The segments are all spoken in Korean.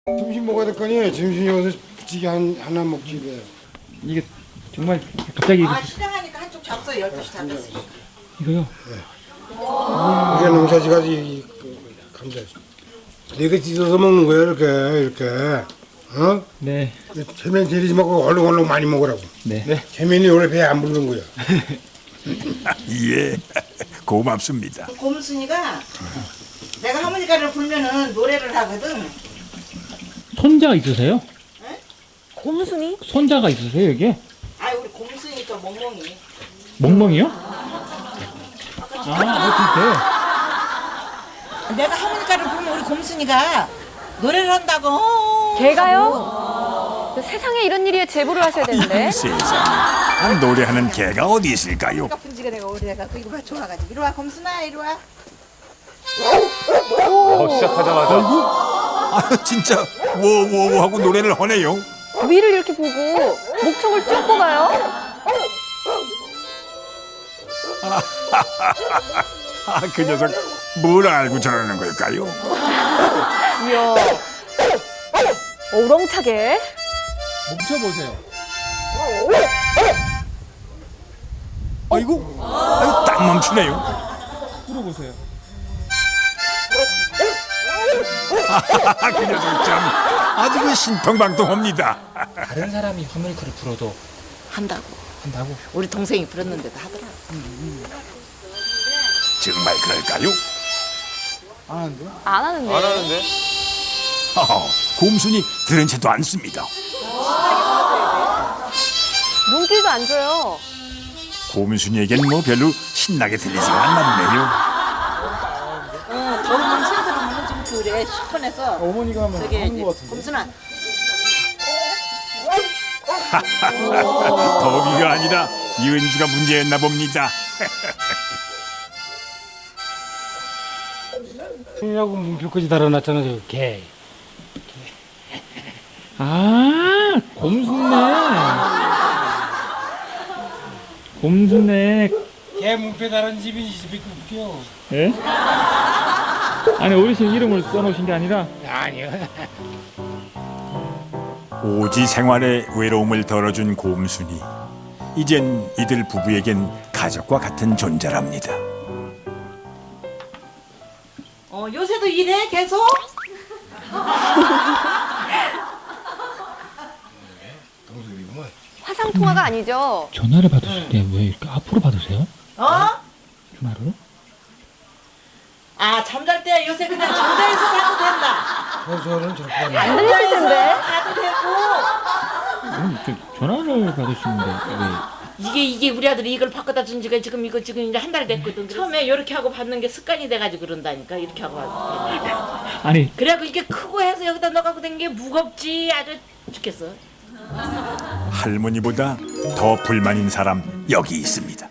점심 먹어야 될 거 아니에요. 점심 여기서 부치기 하나 먹지 왜. 이게 정말 갑자기 아 시장하니까 한쪽 잡숴 12시 잡혔어. 이거요? 이게 농사지가지 감자. 내가 찢어서 먹는 거야 이렇게. 어? 네. 체면 제리지 말고 얼른 많이 먹으라고. 네. 체면이 원래 배에 안 부르는 거야. 예, 고맙습니다. 곰순이가 내가 하모니카를 불면은 노래를 하거든. 손자가 있으세요? 곰순이? 손자가 있으세요 여기? 아 우리 곰순이 또 멍멍이. 멍멍이요? 내가 하모니카를 불면 우리 곰순이가 노래를 한다고. 개가요? 세상에 이런 일이에 제보를 하셔야 되는데. 세상에, 노래하는 개가 어디 있을까요? 내가 분지가 내가 오래돼갖고 이거 봐 좋아가지고 이리 와 곰순아 이리 와. 시작하자마자 아, 진짜 워워워 하고 노래를 하네요. 위를 이렇게 보고 목청을 쭉 뽑아요. 아, 그 녀석 뭘 알고 저러는 걸까요? 이야. 우렁차게. 멈춰보세요. 아이고, 딱 멈추네요. 풀어보세요. 그 녀석 참 아주 그 신통방통합니다. 다른 사람이 하모니카를 불어도 한다고. 한다고? 우리 동생이 불었는데도 하더라. 정말 그럴까요? 안 하는데. 안 하는데? 곰순이 들은 채도 않습니다. 눈길도 안 줘요. 곰순이에겐 뭐 별로 신나게 들리지가 않나 보네요. 더우면 신들으면 좀 그래 시원해서. 어머니가 하면 저기 하는 것 같은데. 곰순아. 더위가 아니라 연주가 문제였나 봅니다. 이라고 문표까지 달아놨잖아 저 개. 아, 곰순네. 개 문표 달은 집이 이 집이 웃겨. 예? 아니 어르신 이름을 써놓으신 게 아니라 아니요. 오지 생활의 외로움을 덜어준 곰순이. 이젠 이들 부부에겐 가족과 같은 존재랍니다. 요새도 일해 계속? 화상 통화가 아니죠. 전화를 받으실 때 왜 이렇게 앞으로 받으세요? 전화를? 아 잠잘 때 요새 그냥 잠자리에서 자도 된다. 소설은 저렇게 하네. 안 들리실 텐데. 자도 되고. 전화를 받으시는데 이게 우리 아들이 이걸 바꿔다 준 지가 지금 이제 한 달 됐거든. 처음에 이렇게 하고 받는 게 습관이 돼가지고 그런다니까 이렇게 하고 받는 게. 아니 그래갖고 이게 크고 해서 여기다 넣어갖고 된 게 무겁지 아주 죽겠어. 할머니보다 더 불만인 사람 여기 있습니다.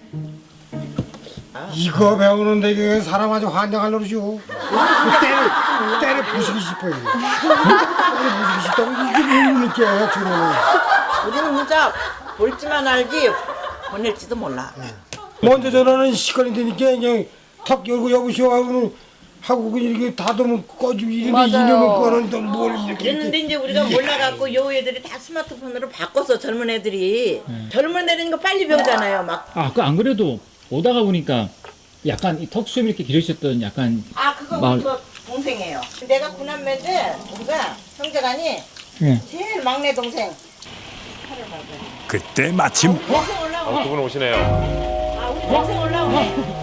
이거 배우는데 이게 사람 아주 환장할 노릇이오. 때를 부수기 싶어요. 때를 부수기 싶다고 이게 뭘 느껴 지금. 우리는 문자 볼지만 알지 보낼지도 몰라. 먼저 전화는 시간이 되니까 그냥 턱 열고 여보시오 하고 그냥 이렇게 닫으면 꺼지고 이러면 맞아요. 이놈의 거는 또 뭘 이렇게. 그랬는데 이제 우리가 몰라갖고 요 애들이 다 스마트폰으로 바꿨어 젊은 애들이. 젊은 애들은 이거 빨리 배우잖아요 막. 그 안 그래도 오다가 보니까 약간 이 턱수염 이렇게 기르셨던 약간 아 그거 마을- 우리 동생이에요. 내가 구남매인데 우리가 형제간이 예. 제일 막내 동생. 그때 마침 동생 올라오네. 두 분 오시네요. 아 우리 동생 올라오네.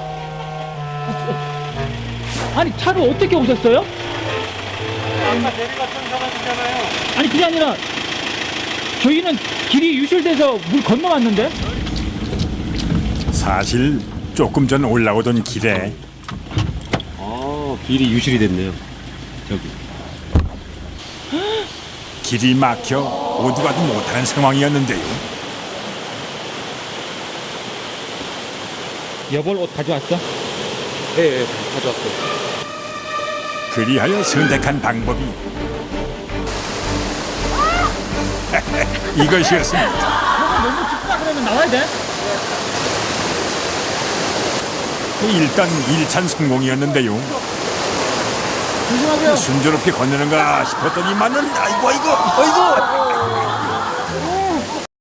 아니 차로 어떻게 오셨어요? 아까 내리갔던 사람이잖아요. 아니 그게 아니라 저희는 길이 유실돼서 물 건너왔는데 사실 조금 전 올라오던 길에 길이 유실이 됐네요. 저기. 길이 막혀 오도 가도 못하는 상황이었는데요. 여벌 옷 가져왔어? 예, 가져왔어요. 그리하여 선택한 방법이 이것이었습니다. 너무 춥다 그러면 나와야 돼? 일단 1찬 성공이었는데요. 조심하세요. 순조롭게 건너는가 싶었더니만은 아이고 아이고 아이고